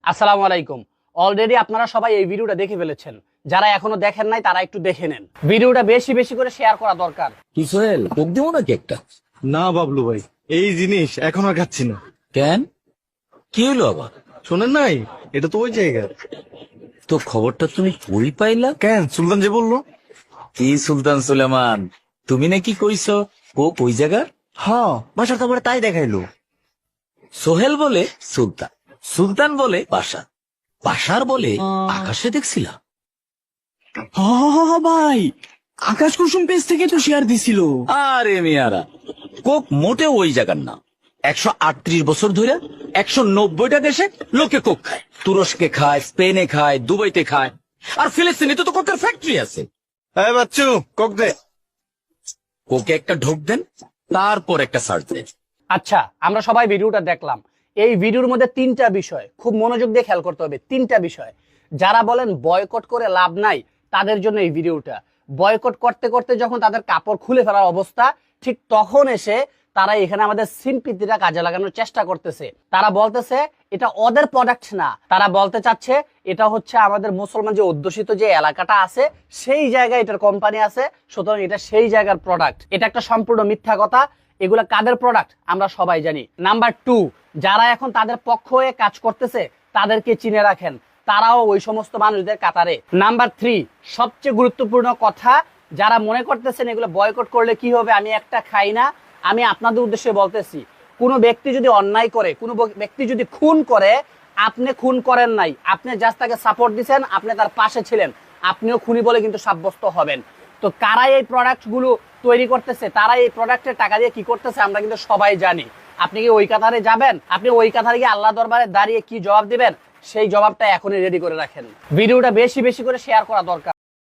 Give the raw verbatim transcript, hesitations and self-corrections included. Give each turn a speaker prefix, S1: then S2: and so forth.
S1: আসসালামু আলাইকুম। অলরেডি আপনারা সবাই এই ভিডিওটা দেখে ফেলেছেন, যারা এখনো দেখেন নাই তারা একটু দেখে নেন। ভিডিওটা বেশি বেশি করে শেয়ার করা দরকার।
S2: কি সোহেল, কোক দিব নাকি একটা?
S3: না বাবলু ভাই, এই জিনিস এখন আর খাচ্ছি না।
S2: কেন, কি হলো আবার?
S3: শোনেন নাই, এটা তো ওই জায়গা।
S2: তো খবরটা তুমি কই পাইলা?
S3: কেন, সুলতান যে বললো।
S2: কি সুলতান সুলেমান, তুমি নাকি কইছো কোক ওই জায়গার?
S3: হ্যাঁ, বাসার তো আমার তাই দেখাইলো।
S2: সোহেল বলে সুলতান, সুলতান বলে বাসার, বাসার বলে আকাশে দেখছিলা।
S4: ভাই, আকাশ কুসুম পেজ থেকে তো শেয়ার দিছিল।
S2: আরে মিয়ারা, কোক মোটেও ওই জায়গার না। একশো আটত্রিশ বছর ধরে একশো নব্বইটা দেশে লোকে কোক খায়। তুরস্কে খায়, স্পেনে খায়, দুবাইতে খায়, আর ফিলিস্তিনে তো কোকের ফ্যাক্টরি আছে।
S3: এই বাচ্চু, কোক দে।
S2: কোকে একটা ঢোক দেন, তারপর একটা সার্চ দেন।
S1: আচ্ছা, আমরা সবাই ভিডিওটা দেখলাম। এই ভিডিওর মধ্যে তিনটা বিষয় খুব মনোযোগ দিয়ে খেয়াল করতে হবে। তিনটা বিষয়, যারা বলেন বয়কট করে লাভ নাই তাদের জন্য এই ভিডিওটা। বয়কট করতে করতে যখন তাদের কাপড় খুলে ফেলার অবস্থা, ঠিক তখন এসে তারা এখানে আমাদের সিম্পিতিটা কাজে লাগানোর চেষ্টা করতেছে। তারা বলতেছে এটা ওদের প্রোডাক্ট না, তারা বলতে চাচ্ছে এটা হচ্ছে আমাদের মুসলমান যে অধ্যুষিত যে এলাকাটা আছে সেই জায়গায় এটার কোম্পানি আছে, সুতরাং এটা সেই জায়গার প্রোডাক্ট। এটা একটা সম্পূর্ণ মিথ্যা কথা। এগুলা কাদের প্রোডাক্ট আমরা সবাই জানি। নাম্বার টু, যারা এখন তাদের পক্ষ হয়ে কাজ করতেছে তাদেরকে চিনে রাখেন, তারাও ওই সমস্ত মানুষদের কাতারে। নাম্বার থ্রি, সবচেয়ে গুরুত্বপূর্ণ কথা, যারা মনে করতেছেন এগুলো বয়কট করলে কি হবে, আমি একটা খাই না, আমি আপনাদের উদ্দেশ্যে বলতেছি, কোনো ব্যক্তি যদি অন্যায় করে, কোনো ব্যক্তি যদি খুন করে, আপনি খুন করেন নাই, আপনি জাস্ট তাকে সাপোর্ট দিচ্ছেন, আপনি তার পাশে ছিলেন, আপনিও খুনি বলে কিন্তু সাব্যস্ত হবেন। তো কারা এই প্রোডাক্ট গুলো তৈরি করতেছে, তারা এই প্রোডাক্টের টাকা দিয়ে কি করতেছে আমরা কিন্তু সবাই জানি। আপনি কি ওই কাতারে যাবেন? আপনি ওই কাতারে গিয়ে আল্লাহ দরবারে দাঁড়িয়ে কি জবাব দিবেন? সেই জবাবটা এখনই রেডি করে রাখেন। ভিডিওটা বেশি বেশি করে শেয়ার করা দরকার।